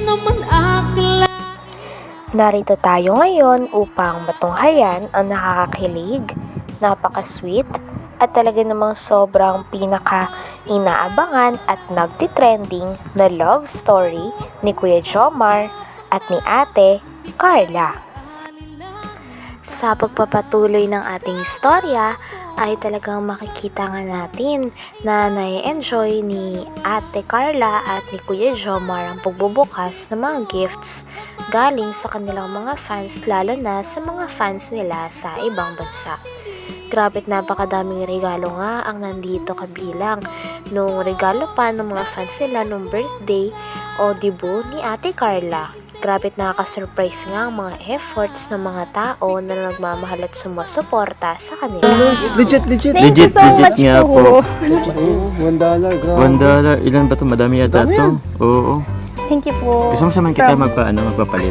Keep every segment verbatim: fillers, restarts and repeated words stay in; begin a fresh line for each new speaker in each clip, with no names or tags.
naman akla.
Narito tayo ngayon upang matunghayan ang nakakakilig, napaka-sweet, at talaga namang sobrang pinaka-inaabangan at nagtitrending na love story ni Kuya Jomar at ni Ate Carla. Sa pagpapatuloy ng ating istorya ay talagang makikita nga natin na nai-enjoy ni Ate Carla at ni Kuya Jomar ang pagbubukas ng mga gifts galing sa kanilang mga fans, lalo na sa mga fans nila sa ibang bansa. Grabe't napakadaming regalo nga ang nandito kabilang nung regalo pa ng mga fans nila nung birthday o debut ni Ate Carla. Grabe't nakaka-surprise nga ang mga efforts ng mga tao na nagmamahal at sumusuporta sa kanila.
Legit, legit.
Thank you
Legit,
so
legit
much
nga
po.
po.
One dollar, grabe.
One dollar. Ilan ba to? Madami yata
Madami
to. Oo.
Thank you po.
Gusto mo saman kita
From-
magpa, ano, magpapalit.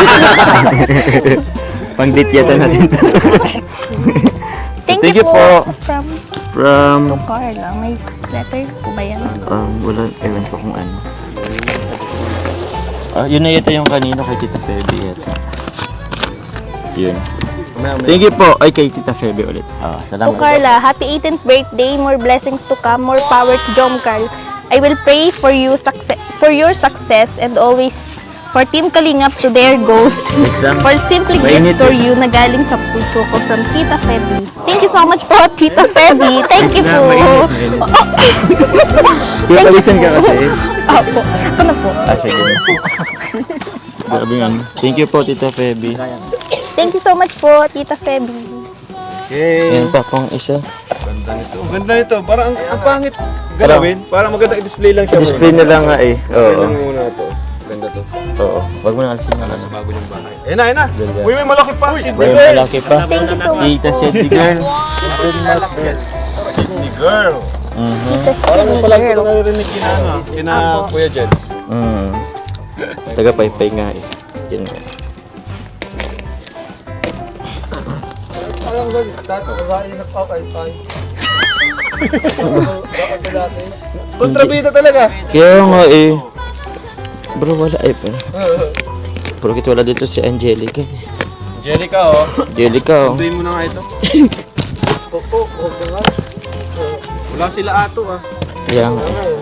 Pang-date yata natin to.
Thank,
Thank
you
you
po.
po.
From
From,
to Carla. May letter po ba yan?
um, wala, ewan ko kung ano. Ah, yun na yata yung kanino kay Tita Feby yata. Yun. Thank you po. Ay, kay Tita Feby ulit. Ah,
To
salamat.
Carla, happy eighteenth birthday. More blessings to come. More power to Jom Carl. I will pray for you success, for your success and always for Team Kalingap to their goals.
Exam.
For simply
Mainit
gift for you na galing sa puso ko from Tita Feby. Thank you so much po, Tita Feby. Thank you po.
Mainit, mainit. Kaya palisan ka kasi.
Opo. Ako na po.
Ah, sige. Grabe nga. Thank you po, Tita Feby.
Thank you so much po, Tita Feby.
Okay.
Yan pa pong isa.
Ganda nito. Ang ganda nito. Parang ang, ang pangit galawin. Parang maganda i-display lang siya.
Display na lang nga eh.
Display
Oo.
lang muna ito. Ganda to.
Oo. Wag mo na alisin na lang.
Sa bago niyong bahay. Ayun na, ayun na.
Ganda.
Uy, may malaki pa. Sydney
May
girl.
malaki pa.
Thank you so much.
Tita Sydney girl.
Sydney girl.
Mhm.
Tita
Parang
Sydney
palagi ko
girl.
na narinig kina, ano, kina Kuya Jens.
Mm. Taga paypay nga eh. Yan nga.
Kontrabida talaga.
Kaya nga eh. Bro, wala eh. Bro, kit wala dito si Angelica. eh.
Angelica, oh.
Angelica oh.
Tunduin mo na nga ito. Wala sila ato, ah.
Kaya nga eh.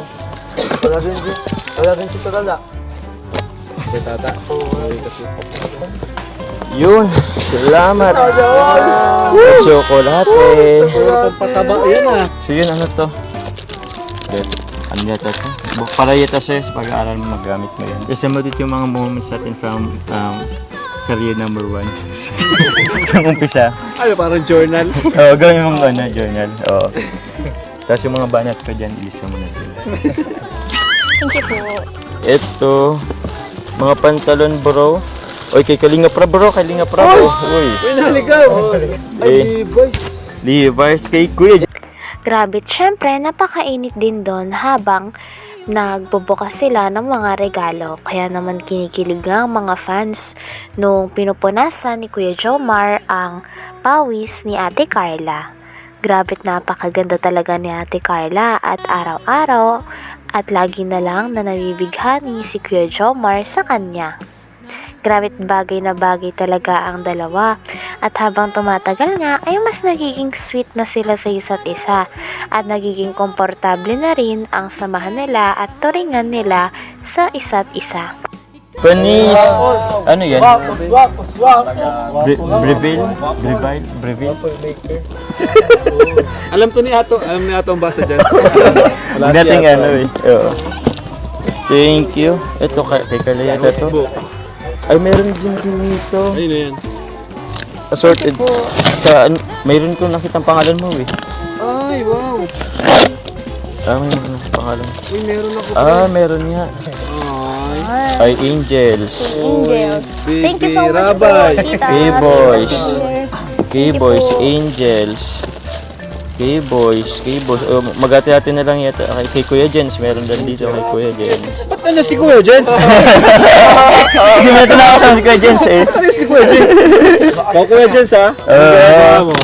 Kay tata. Okay, kasi.
Yun. Salamat. Chocolate.
Pataba, yan ah.
So yun, ano to? Bet. Ano yata to? Bu- Para yata sa'yo sa pag-aaral mo, magamit mo yan. Kasi mo dito yung mga moments natin from um, Serye number one. Yung umpisa.
Ano, parang journal.
Oo, gawin mong ano, journal. Oo. Tapos yung mga banat ko dyan, ilista mo na dyan.
Thank you po.
Ito, mga pantalon bro. Oy, kay Kalinga Pra bro, Kalinga Pra bro. Uy,
Uy, naligaw.
Eh.
Ay, boys.
Levi's kay Kuya.
Grabe't syempre napakainit din doon habang nagbubukas sila ng mga regalo. Kaya naman kinikilig ang mga fans nung pinupunasan ni Kuya Jomar ang pawis ni Ate Carla. Grabe't napakaganda talaga ni Ate Carla at araw-araw at lagi na lang na nabibighani si Kuya Jomar sa kanya. Grabe't bagay na bagay talaga ang dalawa at habang tumatagal nga ay mas nagiging sweet na sila sa isa't isa at nagiging komportable na rin ang samahan nila at turingan nila sa isa't isa.
Panis. Ano yan? Bre- Breville? Breville? Breville?
Alam to ni Ato. Alam ni Ato ang basa dyan.
Huwag nating ano eh. Oo. Thank you. Ito kay, kay Kalayata to. Ay, meron din dito.
Ayun na yan.
Assorted. Sa, an- mayroon ko nakitang pangalan mo eh.
Ay, wow.
Ah, may mga pangalan.
Uy, meron ako.
Ah, meron nga.
Ay.
Ay, Angels.
Angels.
Baby
Thank you so much
Rabay.
po, Tita.
K-Boys.
Thank you
K-Boys,
po.
Angels. K-Boys, K-Boys. Oh, magati-hati na lang yata. Kay, kay Kuya Jens, meron din dito kay Kuya Jens.
Ba't nandiyan si Kuya Jens?
Hindi mo ito nakasama si Kuya Jens eh.
Ba't nandiyan si Kuya Jens? Ikaw Kuya Jens, ha?
Oo.
Ano ginagawa mo?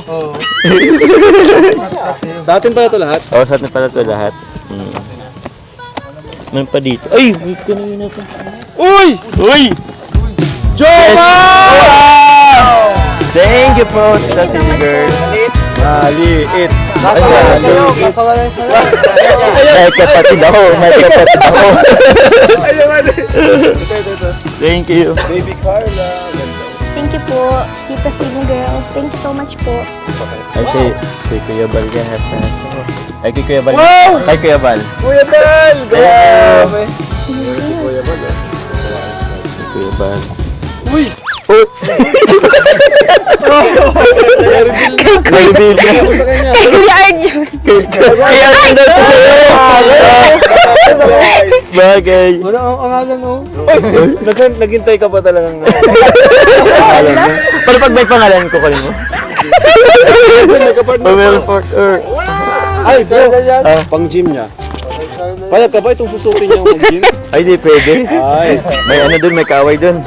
Sa atin pala ito lahat.
Oo, sa atin pala ito lahat. Hmm. Man pa dito. Ay! Wait ko na yun natin.
Uy!
Uy!
Jomar!
Thank you po, Tita Cindy Girl.
Maliit.
Maliit. May kapatid ako. May kapatid ako. Thank you.
Baby Carla.
Thank you po, Tita Sino Girl. Thank you so much po.
Ay, kay, kay Kuya Bal ka hata. Ay, kay Kuya Bal.
Wow!
Kay Kuya Bal.
Kuya Bal! Grabe! Si Kuya Bal eh.
Kay Kuya Bal.
Uy!
Oh! Kay Bill ka.
Ako sa kanya.
Kay Kuya Arjun.
Kay Arjun daw to sa'yo. Bagay.
Wala ang angalan oh. Nag- Naghintay ka pa talagang angalan mo.
Pero pag may pangalan ko kayo mo.
Nagkapartner.
Pamela Fort or...
Ay, bro.
Ah.
Pang gym niya. Payag ka ba itong susukin niya ang gym?
Ay, di pwede.
Ay.
May ano dun, may kaaway dun.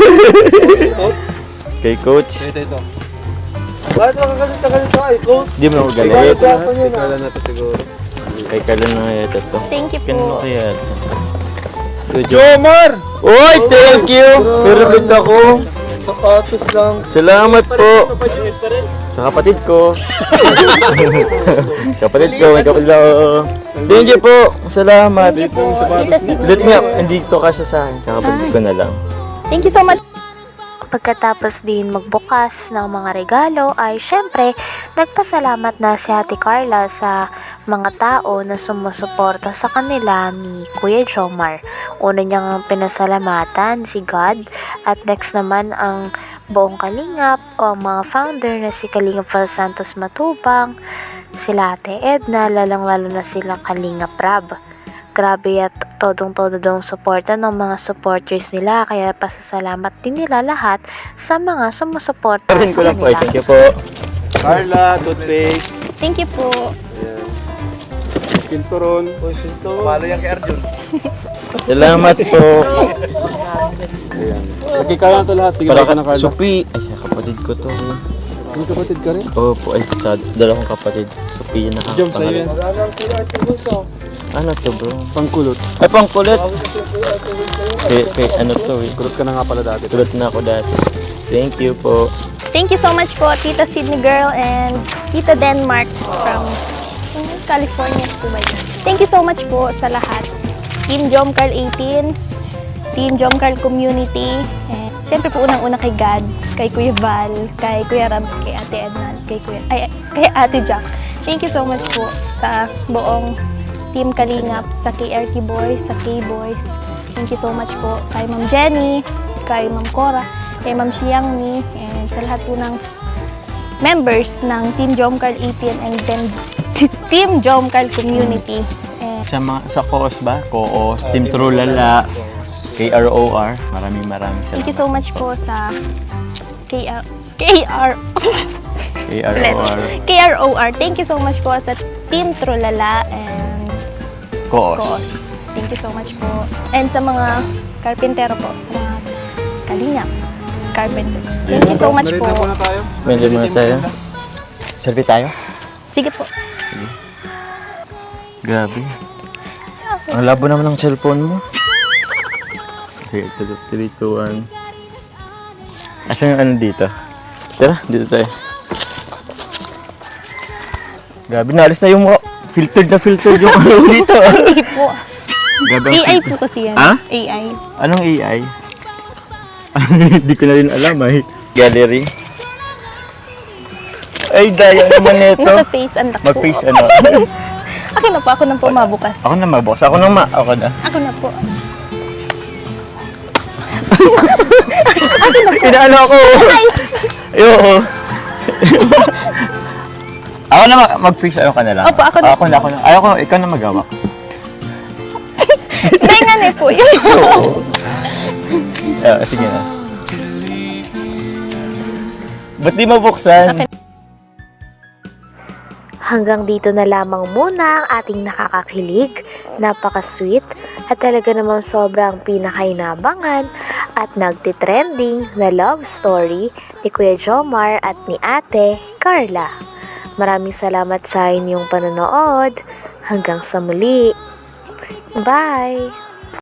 Kay Coach.
Ito, ito. Bakit nakakalit na galit ay, coach?
Di mo ako galit.
Kala na to siguro.
Kay Carla na kaya ito to.
Thank you
Kano
po.
kaya ito?
Jomar!
Uy, thank you! Favorite ako.
Sapatos lang.
Salamat po. Sa kapatid ko. Kapatid ko, may kapatid ako. Thank you po. Salamat.
Thank you po, Tita Sino
Let me up.
Girl.
Hindi to kasya sa akin. Sa kapatid ko na lang.
Thank you so much.
Pagkatapos din magbukas ng mga regalo ay syempre nagpasalamat na si Ate Carla sa mga tao na sumusuporta sa kanila ni Kuya Jomar. Una niyang pinasalamatan si God at next naman ang buong Kalingap o ang mga founder na si Kalingap Val Santos Matubang, sila Ate Edna, lalang-lalo na sila Kalingap Rab. Grabe at todong-todo daw suporta ng mga supporters nila kaya pasasalamat din nila lahat sa mga sumusuporta
Rin ko
sa
lang po. Ay,
kanila.
thank you po.
Carla, toothpaste.
Thank you po.
Ayan. Sinturon. O, sinturon. Palo yan kay Arjun.
Salamat po.
Ayan. Lagi ka lang ito lahat. Sige,
Para
ka na
ka,
Carla.
Supi. Ay, sa kapatid ko to.
May kapatid ka rin?
Opo, ay, sa dalawang kapatid. Supi yun
Jom, sa'yo yan.
nakakapangalan. Ano to, bro?
Pangkulot.
Ay, pangkulit. Kay, kay, ano to eh.
Kulot ka na nga pala dati.
Kulot na ako dati. Thank you po.
Thank you so much po, Tita Sydney Girl and Tita Denmark from California po ba yun? Thank you so much po sa lahat. Team Jomcarl eighteen, Team Jomcarl Community, and syempre po unang-una kay God, kay Kuya Val, kay Kuya Rab, kay Ate Edna, kay Kuya, ay, kay Ate Jack. Thank you so much po sa buong Team Kalingap, sa K R T Boys, sa K-Boys. Thank you so much po kay Ma'am Jenny, kay Ma'am Cora, kay Ma'am Xiangmi, and sa lahat po ng members ng Team Jomcarl eighteen and then Team Jomcarl Community. And
Sa, mga, sa C O O S ba? C O O S, Team Trulala, K R O R. Maraming maraming salamat.
thank you so much po sa K R K R
K R O R,
K R O R. Thank you so much po sa Team Trulala and
C O O S.
Cos. Thank you so much po. And sa mga karpintero po, sa mga kalingap, carpenters. Thank you so much po.
Narito na tayo.
Medyo muna tayo. Selfie tayo?
Sige po.
Grabe. Ang labo naman ng cellphone mo. Sige, three, two, one. Asan yung ano dito? Tara, dito tayo. Grabe, naalis na yung mga filtered na filtered yung ano dito.
Hindi po.
Grabe ang
A I
filter.
po kasi yan.
Ha?
A I.
Anong A I? Hindi ko na rin alam ay. Gallery. Ay, daya naman nito.
Naka-face unlock po.
Mag-face ano.
Akin na po. Ako na po mabukas.
Ako na mabox. Ako na ma. Ako na.
Ako na po.
Pinaano ako. Ayoko. Ako na ma- mag-face. Ayaw ka na lang.
Opo, ako na.
Ako na. Ako na. Ayaw ko. Ikaw na magawa.
Dahil nga na po. Yun.
Ah, sige na. Ba't di mabuksan?
Hanggang dito na lamang muna ang ating nakakakilig, napaka-sweet at talaga namang sobrang pinakainabangan at nagtitrending na love story ni Kuya Jomar at ni Ate Carla. Maraming salamat sa inyong panonood. Hanggang sa muli. Bye!